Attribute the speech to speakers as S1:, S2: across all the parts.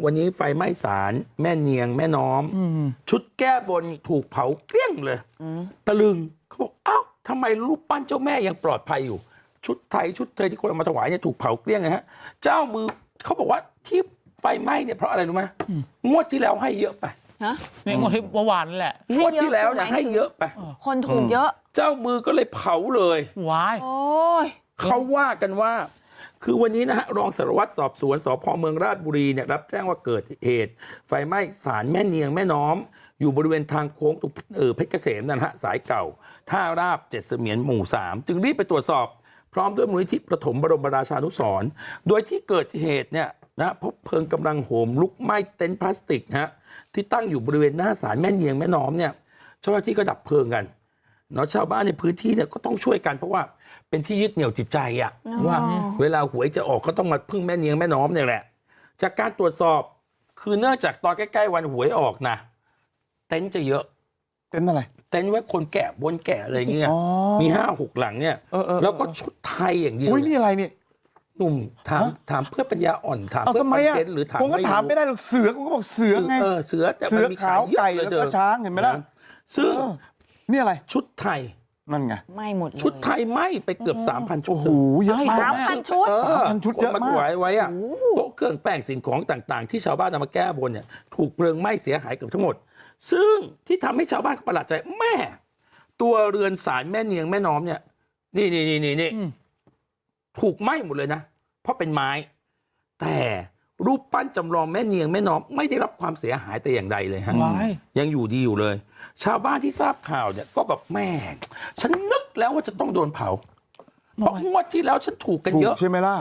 S1: วันนี้ไฟไหม้ศาลแม่เนียงแม่น้อมชุดแก้บนถูกเผาเกลี้ยงเลยตะลึงเขาบอกเอ้าทำไมรูปปั้นเจ้าแม่ยังปลอดภัยอยู่ชุดไทยชุดเธอที่คนเอามาถวายเนี่ยถูกเผาเกลี้ยงนะฮะเจ้ามือเขาบอกว่าที่ไฟไหม้เนี่ยเพราะอะไรรู้ไหมงวดที่แล้วให้เยอะไป
S2: เนี่ยงวดที่เมื่อวานนั่นแหละ
S1: งวดที่แล้วเนี่ยให้เยอะไป
S3: คนถูกเยอะ
S1: เจ้ามือก็เลยเผาเลย
S2: ว้าย
S3: โอ้ย
S1: เขาว่ากันว่าคือวันนี้นะฮะรองสารวัตรสอบสวนสพเมืองราชบุรีเนี่ยรับแจ้งว่าเกิดเหตุไฟไหม้ศาลแม่เนียงแม่น้อมอยู่บริเวณทางโค้งตรงเพชรเกษมนะฮะสายเก่าท่าราบ7เสมียนหมู่3จึงรีบไปตรวจสอบพร้อมด้วยมูลนิธิประถมบรมราชานุสรณ์โดยที่เกิดเหตุเนี่ยนะพบเพลิงกำลังโหมลุกไหม้เต็นท์พลาสติกนะฮะที่ตั้งอยู่บริเวณหน้าศาลแม่เนียงแม่น้อมเนี่ยเจ้าหน้าที่ก็ดับเพลิงกันเนาะชาวบ้านในพื้นที่เนี่ยก็ต้องช่วยกันเพราะว่าเป็นที่ยึดเหนี่ยวจิตใจอะว่าเวลาหวยจะออกก็ต้องมาพึ่งแม่เนียงแม่น้อมเนี่ยแหละจากการตรวจสอบคือเนื่องจากตอนใกล้ๆวันหวยออกนะเต็นท์จะเยอะ
S4: เต็นท์อะไร
S1: เต็นท์ไว้คนแก่บนแก่อะไรเงี้ยมี5-6 หลังเนี่ยแล้วก็ชุดไทยอย่างเดียว
S4: อุ้ยนี่อะไรนี่
S1: หนุ่มถามเพื่อปัญญาอ่อนถามเพื่อคอนเทนต์หรือถาม
S4: ผมก็ถามไม่ได้หรอกเสือกูก็บอกเสือไง
S1: เสือแต่มันมีขาว
S4: ไก่แล้วก็ช้างเห็นไหมล่ะ
S1: ซึ่ง
S4: นี่อะไร
S1: ชุดไทย
S4: นั่นไง
S3: ไม่หมด
S1: ชุดไทยไหม้ไปเกือบ 3,000 ชุด
S4: โอ้โหเยอะมาก
S3: 3,000 ชุด
S4: 3,000 ชุดเยอะมาก
S1: ไว้อะโต๊ะเครื่องแป้งสิ่งของต่างๆที่ชาวบ้านนำมาแก้บนเนี่ยถูกเพลิงไหม้เสียหายเกือบทั้งหมดซึ่งที่ทำให้ชาวบ้านประหลาดใจแม่ตัวเรือนศาลแม่เนียงแม่น้อมเนี่ยนี่ถูกไหม้หมดเลยนะเพราะเป็นไม้แต่รูปปั้นจำลองแม่เนียงแม่น้อมไม่ได้รับความเสียหายแต่อย่างใดเลยฮะยังอยู่ดีอยู่เลยชาวบ้านที่ทราบข่าวเนี่ยก็แบบแม่ฉันนึกแล้วว่าจะต้องโดนเผาเพราะงวดที่แล้วฉันถูกกันเยอะ
S4: ใช่ไหมล่ะ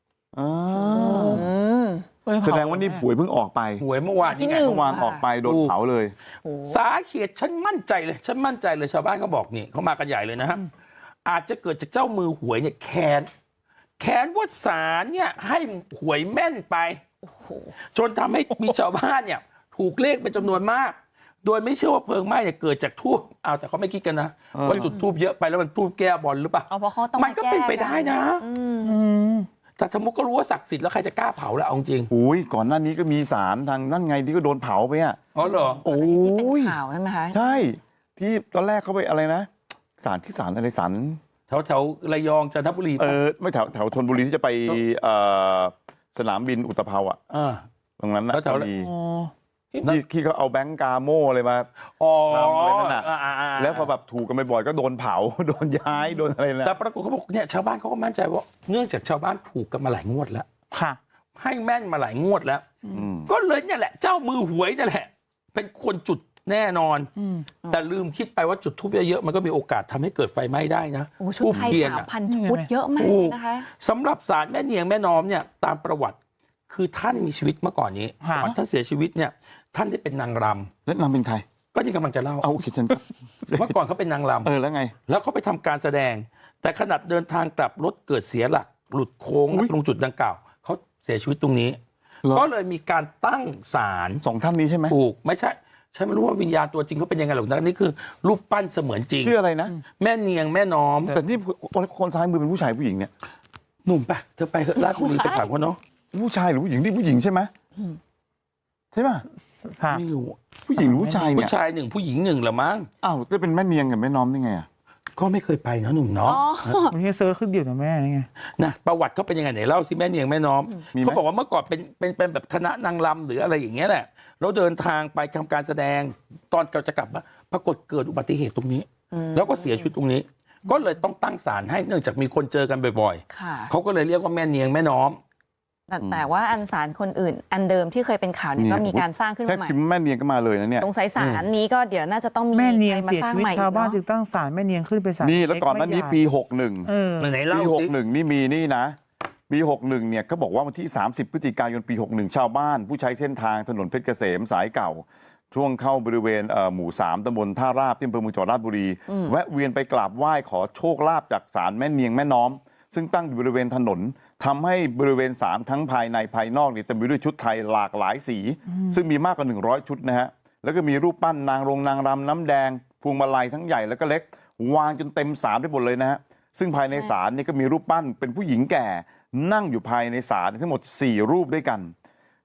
S4: แสดงว่านี่หวยเพิ่งออกไป
S1: หวยเมื่อวาน
S4: นี่ไงเมื่อวานออกไปโดนเผาเลย
S1: สาเหตุฉันมั่นใจเลยชาวบ้านก็บอกนี่เขามากันใหญ่เลยนะฮะอาจจะเกิดจากเจ้ามือหวยเนี่ยแค้นว่าศาลเนี่ยให้หวยแม่นไปจนทำให้มีชาวบ้านเนี่ยถูกเลขเป็นจำนวนมากโดยไม่เชื่อว่าเพลิงไหม้เนี่ยเกิดจากทูบแต่เขาไม่คิดกันนะว่าจุดทูบเยอะไปแล้วมันทูบแก้บอลหรือเปล่ามันก็เป็นไปได้นะแต่สมมติก็รู้ว่าศักดิ์สิทธิ์แล้วใครจะกล้าเผาแล้วเอาจริง
S4: อุ้ยก่อนหน้านี้ก็มีศาลทางนั่นไงที่ก็โดนเผาไปอ่ะ
S1: อ๋อเหรอ
S4: โอ้
S3: ยข่าวใช่ไหมคะ
S4: ใช่ที่ตอนแรกเขาไปอะไรนะศาลอะไรศาล
S1: แถวระยองจันทบุรี
S4: ไม่แถวชลบุรีที่จะไปสนามบินอุตภาวตรงนั้นนะที่เขาเอาแบงก์กาโม่อะไรมาทำอะไรนั่นน่ะแล้วพอแบบถูกกันบ่อยๆก็โดนเผาโดนย้ายโดนอะไรนะ
S1: แต่ปรากฏเขาบอกเนี่ยชาวบ้านเขาก็มั่นใจว่าเนื่องจากชาวบ้านถูกกันมาหลายงวดแล้ว
S2: ค่ะ
S1: ให้แม่นมาหลายงวดแล้วก็เลยเนี่ยแหละเจ้ามือหวยนี่แหละเป็นคนจุดแน่นอนแต่ลืมคิดไปว่าจุดทูบเยอะๆมันก็มีโอกาสทำให้เกิดไฟไหม้ได้นะ
S3: ทูบเทียน3,000 ชุดเยอะมากนะคะ
S1: สำหรับศาลแม่เนียงแม่น้อมเนี่ยตามประวัติคือท่านมีชีวิตเมื่อก่อนนี้ก่อนท่านเสียชีวิตเนี่ยท่านได้เป็นนางรำ
S4: แล้วนางเป็นใคร
S1: ก็ที่กำลังจะเล่า
S4: โอเคฉัน
S1: เมื่อก่อนเขาเป็นนางรำ
S4: แล้วไง
S1: แล้วเขาไปทำการแสดงแต่ขณะเดินทางกลับรถเกิดเสียหลักหลุดโค้งตรงจุดดังกล่าวเขาเสียชีวิตตรงนี้ก็เลยมีการตั้งศาล
S4: 2 ท่านนี้ใช่ไหม
S1: ถูกไม่ใช่ฉันไม่รู้ว่าวิญญาณตัวจริงเขาเป็นยังไงหรอกนะนี่คือรูปปั้นเสมือนจริง
S4: ชื่ออะไรนะ
S1: แม่เนียงแม่น้อม
S4: แต่นี่คนซ้ายมือเป็นผู้ชายผู้หญิงเนี่ย
S1: หนุ่มไปเธอไปราชบุรีไปถามเขาเนาะ
S4: ผู้ชายหรือผู้หญิงนี่ผู้หญิงใช่ไหมใช่ป่ะ
S1: ไม่รู้
S4: ผู้หญิงหรือผู้ชายเนี่ย
S1: ผู้ชาย1ผู้หญิง1เหรอมั้ง
S4: จะเป็นแม่เนียงกับแม่น้อมได้ไง
S1: ก็ไม่เคยไปนะหนุ่มเนาะ
S2: ไม่ใช่เซิร์ชขึ้นเดียวกับแม่นี่ไง
S1: นะประวัติเขาเป็นยังไงไหนเล่าสิแม่เนียงแม่น้อมเขาบอกว่าเมื่อก่อนเป็นแบบคณะนางรำหรืออะไรอย่างเงี้ยแหละแล้วเดินทางไปทำการแสดงตอนจะกลับมาปรากฏเกิดอุบัติเหตุตรงนี้แล้วก็เสียชีวิตตรงนี้ก็เลยต้องตั้งศาลให้เนื่องจากมีคนเจอกันบ่อยๆเขาก็เลยเรียกว่าแม่เนียงแม่น้อม
S3: แต่ว่าอันศาลคนอื่นอันเดิมที่เคยเป็นข่าวเนี่ยก็มีการสร้างขึ้นมาใหม่
S4: แม่เนียงก็มาเลยนะเนี่ย
S3: สงสัยศาลนี้ก็เดี๋ยวน่าจะต้องมี
S2: แม่เนียงเสียชีวิตชาวบ้านจึงตั้งศาลแม่เนียงขึ้นไปศาล
S4: นี่แล้วก่อนนั้นนี้ปี61
S1: ไหนเล่า
S4: ปี61นี่มีนี่นะปี61เนี่ยเขาบอกว่าวันที่30 พฤศจิกายนปี61ชาวบ้านผู้ใช้เส้นทางถนนเพชรเกษมสายเก่าช่วงเข้าบริเวณหมู่3ตำบลท่าราบที่อำเภอเมืองจังหวัดราชบุรีแวะเวียนไปกราบไหว้ขอโชคลาภจากศาลแม่เนียงแม่น้อมซึ่งตั้งอยู่บริเวณถนนทำให้บริเวณศาลทั้งภายในภายนอกเนี่ยเต็มไปด้วยชุดไทยหลากหลายสีซึ่งมีมากกว่า100 ชุดนะฮะแล้วก็มีรูปปั้นนางรำน้ำแดงพวงมาลัยทั้งใหญ่แล้วก็เล็กวางจนเต็มศาลไปหมดเลยนะฮะซึ่งภายในศาลนี่ก็มีรูปปั้นเป็นผู้หญิงแก่นั่งอยู่ภายในศาลทั้งหมด4 รูปด้วยกัน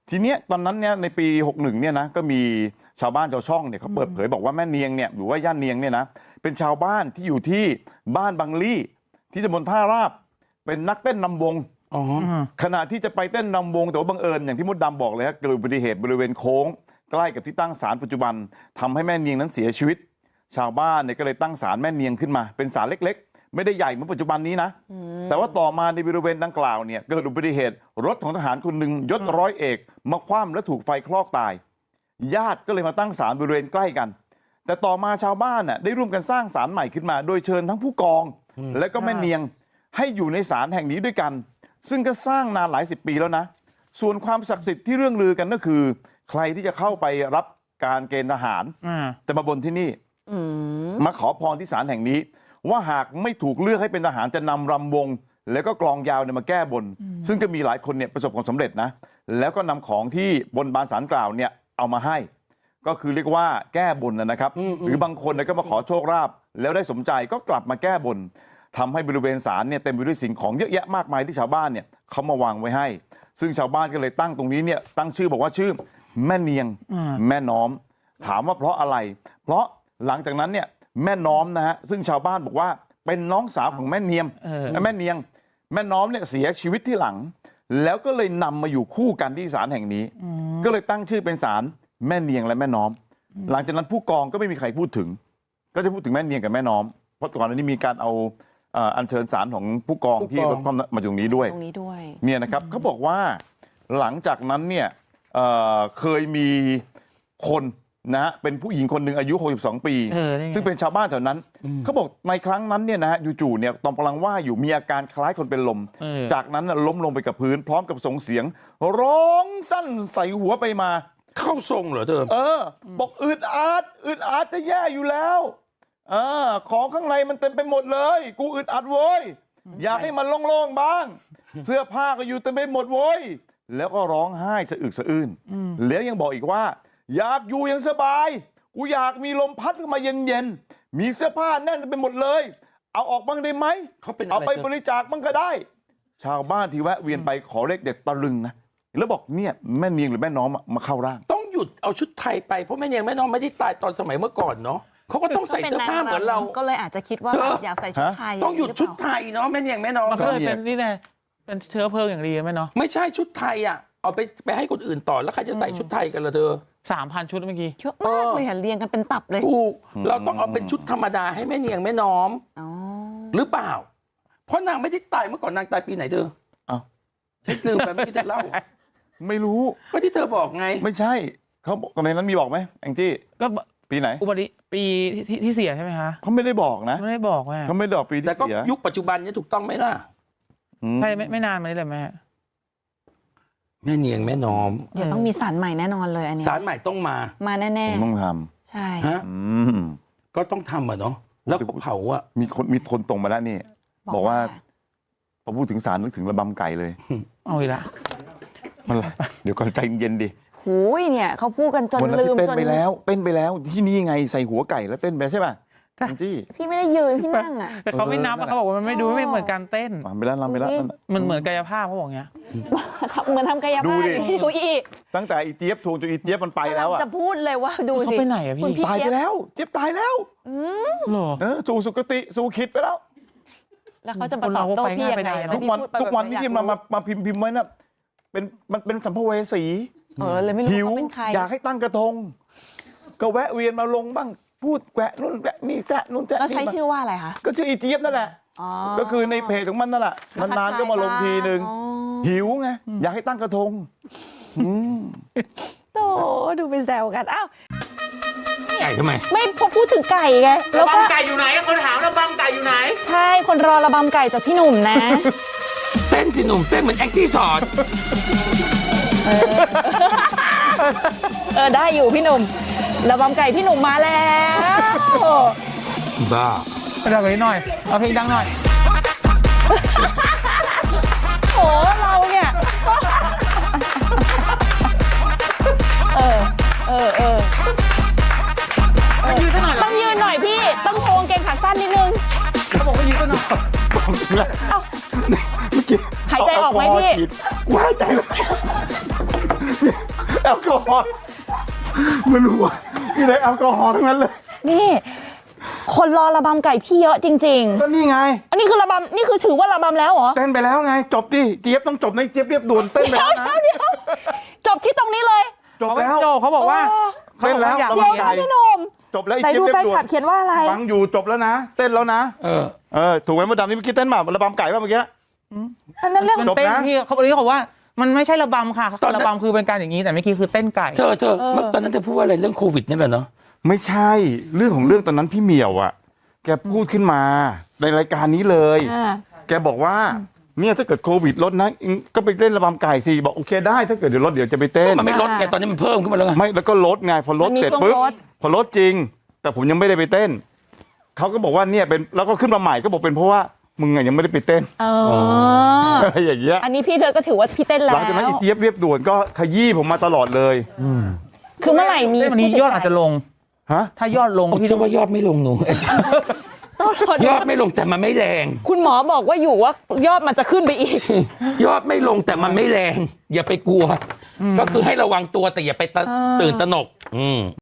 S4: ทีเนี้ยตอนนั้นเนี่ยในปี61เนี่ยนะก็มีชาวบ้านชาวช่องเนี่ยเขาเปิดเผยบอกว่าแม่เนียงเนี่ยหรือว่าย่าเนียงเนี่ยนะเป็นชาวบ้านที่อยู่ที่บ้านบางลี่ที่ตำบลท่าราบเป็นนักเต้นนำวง
S1: อ๋อ
S4: ขณะที่จะไปเต้นนำวงแต่ว่าบังเอิญอย่างที่มดดำบอกเลยฮะเกิดอุบัติเหตุบริเวณโค้งใกล้กับที่ตั้งศาลปัจจุบันทำให้แม่เนียงนั้นเสียชีวิต ชาวบ้านเนี่ยก็เลยตั้งศาลแม่เนียงขึ้นมาเป็นศาลเล็กๆไม่ได้ใหญ่เหมือนปัจจุบันนี้นะแต่ว่าต่อมาในบริเวณดังกล่าวเนี่ยเกิดอุบัติเหตุรถของทหารคนหนึ่งยศร้อยเอกมาคว่ำและถูกไฟคลอกตายญาติก็เลยมาตั้งศาลบริเวณใกล้กัน แต่ต่อมาชาวบ้านน่ะได้ร่วมกันสร้างศาลใหม่ขึ้นมา โดยเชิญทั้งผู้กองและก็แม่เนียงให้อยู่ในศาลแห่งนี้ด้วยกัน ซึ่งก็สร้างนานหลายสิบปีแล้วนะส่วนความศักดิ์สิทธิ์ที่เรื่องลือกันก็คือ ใครที่จะเข้าไปรับการเกณฑ์ทหารจะมาบนที่นี่มาขอพรที่ศาลแห่งนี้ ว่าหากไม่ถูกเลือกให้เป็นทหารจะนำรำวง แล้วก็กลองยาวเนี่ยมาแก้บน ซึ่งก็มีหลายคนเนี่ยประสบความสำเร็จนะแล้วก็นำของที่บนบานศาลกล่าวเนี่ยเอามาให้ ก็คือเรียกว่าแก้บนนะครับหรือบางคนเนี่ยก็มาขอโชคลาภแล้วได้สมใจก็กลับมาแก้บนทำให้บริเวณศาลเนี่ยเต็มไปด้วยสิ่งของเยอะแยะมากมายที่ชาวบ้านเนี่ยเขามาวางไว้ให้ ซึ่งชาวบ้านก็เลยตั้งตรงนี้เนี่ยตั้งชื่อบอกว่าชื่อแม่เนียงแม่น้อมถามว่าเพราะอะไร เพราะหลังจากนั้นเนี่ยแม่น้อมนะฮะซึ่งชาวบ้านบอกว่าเป็นน้องสาวของแม่เนียงแม่เนียงแม่น้อมเนี่ยเสียชีวิตที่หลัง แล้วก็เลยนำมาอยู่คู่กันที่ศาลแห่งนี้ ก็เลยตั้งชื่อเป็นศาลแม่เนียงและแม่น้อม หลังจากนั้นผู้กองก็ไม่มีใครพูดถึง ก็จะพูดถึงแม่เนียงกับแม่น้อมเพราะก่อนหน้านี้มีการเอาอัญเชิญศาลของผู้กองที่รถความมาตรงนี้ด้วยเนี่ยนะครับเขาบอกว่าหลังจากนั้นเนี่ยเคยมีคนนะฮะเป็นผู้หญิงคนหนึ่งอายุ62ปีซึ่งเป็นชาวบ้านแถวนั้นเขาบอกในครั้งนั้นเนี่ยนะฮะจู่ๆเนี่ยตอนกำลังว่าอยู่มีอาการคล้ายคนเป็นลมจากนั้นล้มลงไปกับพื้นพร้อมกับส่งเสียงร้องสั้นใส่หัวไปมา
S1: เข้าทรงเหรอเธอ
S4: บอกอึดอัดจะแย่อยู่แล้วของข้างในมันเต็มไปหมดเลยกูอึดอัดโว้ยอยากให้มันโล่งๆบ้างเสื้อผ้าก็อยู่เต็มไปหมดโว้ยแล้วก็ร้องไห้สะอึกสะอื้นแล้วยังบอกอีกว่าอยากอยู่อย่างสบายกูอยากมีลมพัดเข้ามาเย็นๆมีเสื้อผ้าแน่นไปหมดเลยเอาออกบ้างได้ไหมเอาไปบริจาคบ้างก็ได้ชาวบ้านที่แวะเวียนไปขอเลขเด็ดตะลึงนะแล้วบอกเนี่ยแม่เนียงหรือแม่น้อมมาเข้าร่าง
S1: ต้องหยุดเอาชุดไทยไปเพราะแม่เนียงแม่น้อมไม่ได้ตายตอนสมัยเมื่อก่อนเนาะเขาก็ต้องใส่เสื้อผ้าเหมือนเรา
S3: ก็เลยอาจจะคิดว่าอยากใส่ชุดไทย
S1: ต้องหยุดชุดไทยเนาะแม่เนียงแม่น้อม
S2: มันก็เลยเป็นนี่แหละเป็นเชื้อเพลิงอย่างดีไหมเนาะ
S1: ไม่ใช่ชุดไทยอ่ะเอาไปให้คนอื่นต่อแล้วใครจะใส่ชุดไทยกันล่ะเธอ
S2: 3,000 ชุดเมื่อกี้
S3: เยอะมากเลยเรียงกันเป็นตับเลย
S1: ถูกเราต้องเอาเป็นชุดธรรมดาให้แม่เนียงแม่น้อมหรือเปล่าเพราะนางไม่ได้ตายเมื่อก่อนนางตายปีไหนเธอฉันลืมไปไม่ได้เล่า
S4: ไม่รู้
S1: ก็ที่เธอบอกไง
S4: ไม่ใช่เขาในนั้นมีบอกไหมแองจี้ก็ปีไหน
S2: อุบัติปีที่เสียใช่ไหมคะ
S4: เขาไม่ได้บอกนะ
S2: ไม่ได้บอกแม่
S4: เขาไม่ได้บอกปีที่เสีย
S1: แต่ก็ยุคปัจจุบันนี้ถูกต้องไหมล่ะ
S2: ใช่ไม่นานมานี้เลยแม่
S1: เนียงแม่น้อม
S3: เดี๋ยวต้องมีศาลใหม่แน่นอนเลยอันนี้
S1: ศาลใหม่ต้องมา
S3: แน่
S4: ๆต้องท
S3: ำใช่
S1: ฮะก็ต้องทำอ่ะเนาะแล้วเผาอ่ะ
S4: มีคนตรงมาแล้วนี่บอกว่าพอพูดถึงศาลนึกถึงระบำไก่เลย
S2: เอาอีกละ
S4: มันเดี๋ยวก่อนใจเย็นดิ
S3: หูยเนี่ยเขาพูดกันจนลืม
S4: จนเต้นไปแล้วที่นี่ไงใส่หัวไก่แล้วเต้นไปใช่ป่ะ
S3: พี่ไม่ได้ยืนพี่นั่งอ่ะ
S2: แต่เขาไม่นับเขาบอกว่ามันไม่ดูไม่เหมือนการเต้น
S4: ไปแล้ว
S2: มันเหมือนกายภาพเขาบอกเงี้ย
S3: เหมือนทำกายภาพดูอี
S4: ตั้งแต่อีเจี๊ยบทวงจนอีเจี๊ยบมันไปแล้วอ่ะ
S3: จะพูดเลยว่าดูสิ
S2: เขาไปไหนอะพี่
S4: ตายไปแล้วเจี๊ยบตายแล้วสู่สุคติสู่คิดไปแล้ว
S3: แล้วเขาจะมาตอบโต้พี่ยังไง
S4: ทุกวันที่มาพิมพ์ไว้น่ะมันเป็นสัมภเวสี
S3: เลยไม่รู้
S4: เขาเป็นใครอยากให้ตั้งกระทงก็แวะเวียนมาลงบ้างพูดแวะนู่นแวะนี่แซะนู่นแซะ
S3: นี่แล้วใช้ชื่อว่าอะไรคะ
S4: ก็ชื่ออีเจี๊ยบนั่นแหละก็คือในเพจของมันนั่นแหละนานๆก็มาลงทีนึงหิวไงอยากให้ตั้งกระทง
S3: โตดูไปแซวกันอ้าว
S1: ไก่ทำไม
S3: ไม่พอพูดถึงไก่ไง
S2: ระบำไก่อยู่ไหนคนถามระบำไก่อยู่ไหน
S3: ใช่คนรอระบำไก่จากพี่หนุ่มนะ
S1: เต้นพี่หนุ่มเต้นเหมือนแองจี้สอน
S3: ได้อยู่พี่หนุ่มระบำไก่พี่หนุ่มมาแล้ว
S1: บ้า
S2: ดังไปหน่อยเอาเพลงดังหน่อย
S3: โอ้เราเนี่ยต้องยืนหน่อยพี่ต้องโชว์เกงขาสั้นนิดนึง
S2: เขาบอกว่ายืนก็หน่อย
S3: หายใจออกไหมพี่
S1: หายใจ
S4: แอลกอฮอล์มันหัวมีแต่แอลกอฮอล์ทั้งนั้นเลย
S3: นี่คนรอระบำไก่พี่เยอะจริง
S4: ก็นี่ไง
S3: ๆ อันนี้คือระบำนี่คือถือว่าระบำแล้วเหรอ
S4: เต้นไปแล้วไงจบดิเจี๊ยบต้องจบในเจี๊ยบเรียบด่วนเต้นไปแล้วนะ
S3: เดี๋ยวจบที่ตรงนี้เลย
S4: จบแล้ว
S2: โจเขาบอกว่า
S4: เต้นแล้ว
S2: เขา
S3: เดี๋ยว
S2: บอกว่าอยาก
S3: นะพี่หนุ่ม
S4: จบแล้วไอ้
S3: ไหน
S4: เจี๊ย
S3: ดู
S4: บเรีย
S3: แฟ
S4: บ
S3: น
S4: ด่ว
S3: คลั
S4: น
S3: บเขียนว่าอะไร
S4: ฟังอยู่จบแล้วนะ เต้นแล้วนะ ถูกไหมมดดำนี่เมื่อกี้เต้นมาระบำไก่ป่ะเมื่อกี้
S3: อันนั้นเรื่อง
S2: มันเต้นพี่เขาบอกนี้เขาบอกว่ามันไม่ใช่ระบำค่ะระบำคือเป็นการอย่างนี้แต่เมื่อกี้คือเต้นไก่
S1: เธอตอนนั้นเธอพูดว่าอะไรเรื่องโควิดนี่แหละเนาะ
S4: ไม่ใช่เรื่องของเรื่องตอนนั้นพี่เหมียวอ่ะแกพูดขึ้นมาในรายการนี้เลย แกบอกว่าเนี่ยถ้าเกิดโควิดลดนะก็ไปเล่นระบำไก่สิบอกโอเคได้ถ้าเกิดเดี๋ยวลดเดี๋ยวจะไปเต้น
S1: มันไม่ลดไงตอนนี้มันเพิ่มขึ้นมาแล้วไง
S4: ไม่แล้วก็ลดไงพอลด
S3: มันมี
S4: เสร็จ
S3: ช่วง
S4: ปุ๊บ
S3: ลด
S4: พอลดจริง แต่ผมยังไม่ได้ไปเต้นเขาก็บอกว่าเนี่ยเป็นแล้วก็ขึ้นมาใหม่ก็บอกเป็นเพราะว่ามึงอะยังไม่ได้ไปเต้น อะไรอย่างเงี้ย
S3: อันนี้พี่เธอก็ถือว่าพี่เต้นแล้
S4: ห
S3: ว
S4: ลังจากนั้นอีเจี๊ยบเรียบด่วนก็ขยี้ผมมาตลอดเลย
S3: คือเมื่อไหร่มี
S2: เต้นวันนี้ยอดอาจจะลง
S4: ฮะ
S2: ถ้ายอดลง
S1: พี่ว่ายอดไม่ลงหนู ยอดไม่ลงแต่มันไม่แรง
S3: คุณหมอบอกว่าอยู่ว่ายอดมันจะขึ้นไปอีก
S1: ยอดไม่ลงแต่มันไม่แรง อย่าไปกลัว ก็คือให้ระวังตัวแต่อย่าไปตื่นตระหนก